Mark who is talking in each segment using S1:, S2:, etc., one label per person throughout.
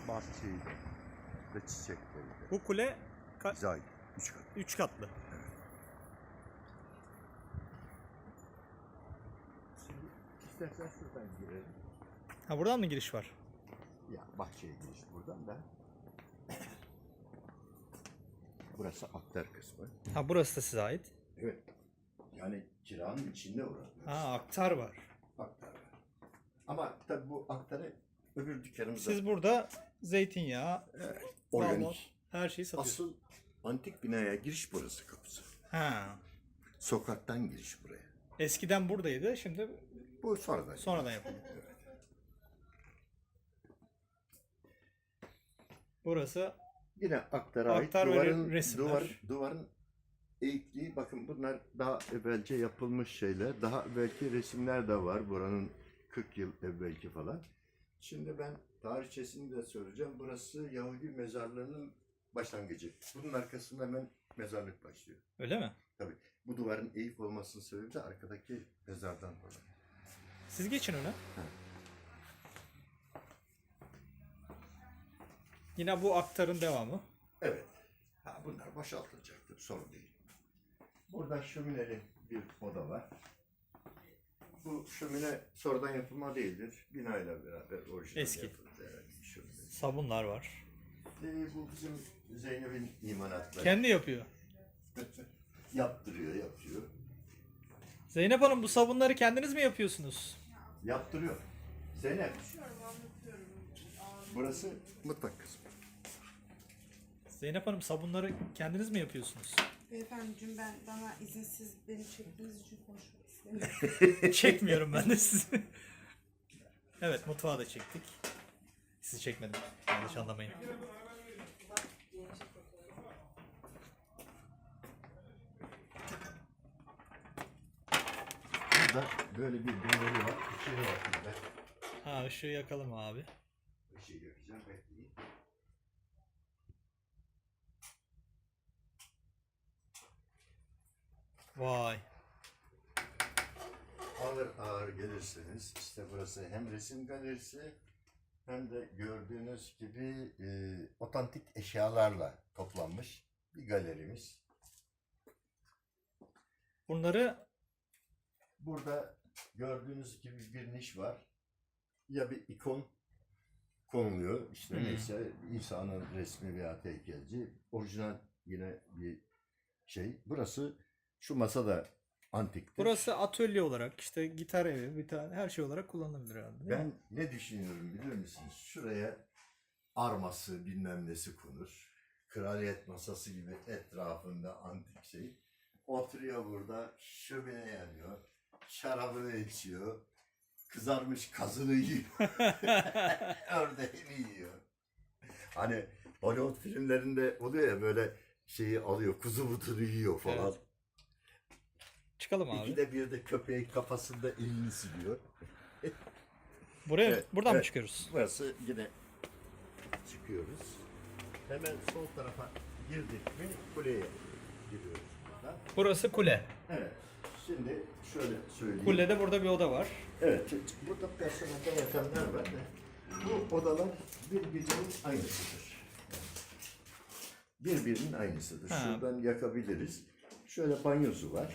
S1: bahçeyle ve çiçekleriyle.
S2: Bu kule
S1: Bize ait. 3 kat.
S2: 3 katlı.
S1: Şimdi istersen şuradan girelim.
S2: Ha, buradan mı giriş var?
S1: Ya bahçeye giriş buradan da. Burası aktar kısmı.
S2: Ha, burası da size ait.
S1: Evet. Yani kiranın içinde orası.
S2: Ha, aktar var.
S1: Aktar var. Ama tabii bu aktarı öbür dükkanımızda.
S2: Siz burada zeytinyağı, bal,
S1: organik.
S2: her şeyi satıyorsunuz.
S1: Asıl antik binaya giriş burası kapısı.
S2: Ha.
S1: Sokaktan giriş buraya.
S2: Eskiden buradaydı, şimdi
S1: Bu sonradan.
S2: sonradan yapıldı. Burası
S1: Yine aktara ait
S2: aktar ve
S1: duvarın,
S2: resimler.
S1: duvarın eğikliği, bakın bunlar daha evvelce yapılmış şeyler. Daha belki resimler de var buranın 40 yıl evvelki falan. Şimdi ben tarihçesini de söyleyeceğim. Burası Yahudi mezarlığının başlangıcı. Bunun arkasında hemen mezarlık başlıyor.
S2: Öyle mi?
S1: Tabii. Bu duvarın eğik olmasının sebebi de arkadaki mezardan dolayı.
S2: Siz geçin öyle. Yine bu aktarın devamı.
S1: Evet. Ha, bunlar boşaltılacaktır. Sorun değil. Burada şömineli bir oda var. Bu şömine sonradan yapılma değildir. Binayla beraber orijinal
S2: Eski.
S1: yapıldı. Evet, şömine.
S2: Sabunlar var.
S1: Bu bizim Zeynep'in imanatları.
S2: Kendi yapıyor.
S1: Yaptırıyor, yapıyor.
S2: Zeynep Hanım, bu sabunları kendiniz mi yapıyorsunuz?
S1: Yaptırıyor. Zeynep. Burası mutfak kısmı.
S2: Zeynep Hanım, sabunları kendiniz mi yapıyorsunuz?
S3: Beyefendiciğim, bana izinsiz beni çektiğiniz için konuşmak istemiyorum.
S2: Çekmiyorum ben de sizi. Evet, mutfağı da çektik. Sizi çekmedim. Yanlış anlamayın.
S1: Burada böyle bir döneri var. İçeri var burada.
S2: Ha, ışığı yakalım abi.
S1: Işığı yakacağım, bekleyin.
S2: Vay.
S1: Ağır ağır gelirseniz işte burası hem resim galerisi hem de gördüğünüz gibi otantik eşyalarla toplanmış bir galerimiz.
S2: Bunları
S1: Burada gördüğünüz gibi bir niş var. Ya bir ikon konuluyor. İşte neyse İsa'nın resmi veya heykelci. Orijinal yine bir şey. Burası şu masa da antiktir.
S2: burası atölye olarak, işte gitar evi, bir tane her şey olarak kullanılabilir herhalde. değil mi?
S1: Ben ne düşünüyorum biliyor musunuz? Şuraya arması bilmem nesi konur. Kraliyet masası gibi etrafında antik şey. Oturuyor burada, şömine yanıyor. Şarabını içiyor. Kızarmış kazını yiyor. Ördeğini yiyor. Hani Hollywood filmlerinde oluyor ya, böyle şeyi alıyor, kuzu butunu yiyor falan.
S2: Evet. Çıkalım abi.
S1: İkide bir de köpeğin kafasında elini siliyor.
S2: Buraya
S1: Evet,
S2: buradan mı
S1: evet.
S2: çıkıyoruz?
S1: Burası yine çıkıyoruz. Hemen sol tarafa girdik mi kuleye giriyoruz burada.
S2: Burası kule.
S1: Evet. Şimdi şöyle söyleyeyim.
S2: Kulede burada bir oda var.
S1: Evet. Burada personelde yatanlar var. Bu odalar birbirinin aynısıdır. Birbirinin aynısıdır.
S2: Ha.
S1: Şuradan yakabiliriz. Şöyle banyosu var.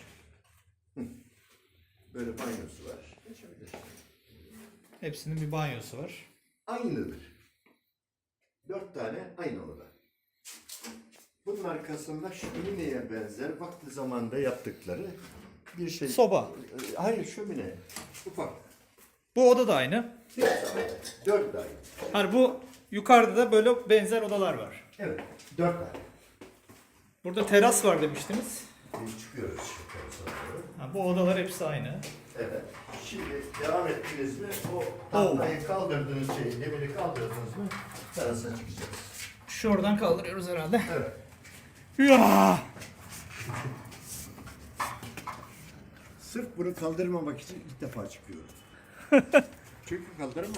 S1: Böyle banyosu var. Geçebilir.
S2: Hepsinin bir banyosu var.
S1: Aynıdır. 4 tane aynı oda. Bunun arkasında şömineye benzer vakti zamanında yaptıkları bir şey.
S2: Soba.
S1: Hayır, şömine. Ufak.
S2: Bu oda da aynı.
S1: 4 tane.
S2: Hani bu yukarıda da böyle benzer odalar var.
S1: Evet. 4 tane.
S2: Burada teras var demiştiniz.
S1: Çıkıyoruz şu tarafa doğru.
S2: Ha, bu odalar hepsi aynı.
S1: Evet. Şimdi devam ettiniz mi? O tahtayı kaldırdığınız şeyi, demiri kaldırdınız mı? Terasa çıkacağız.
S2: Şuradan kaldırıyoruz herhalde.
S1: Evet.
S2: Ya!
S1: Sırf bunu kaldırmamak için ilk defa çıkıyorum. Çünkü kaldıramam.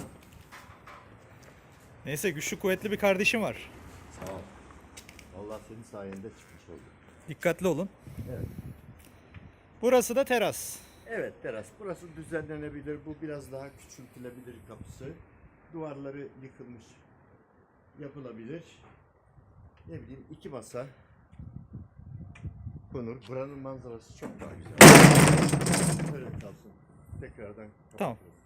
S2: Neyse, güçlü kuvvetli bir kardeşim var.
S1: Sağ ol. Allah senin sayende çıkmış oldu.
S2: Dikkatli olun.
S1: Evet.
S2: Burası da teras.
S1: Evet, teras. Burası düzenlenebilir. Bu biraz daha küçültülebilir kapısı. Duvarları yıkılmış. yapılabilir. Ne bileyim 2 masa konur. Buranın manzarası çok daha güzel. Öyle kalsın. Tekrardan
S2: Tamam.
S1: kapatırız.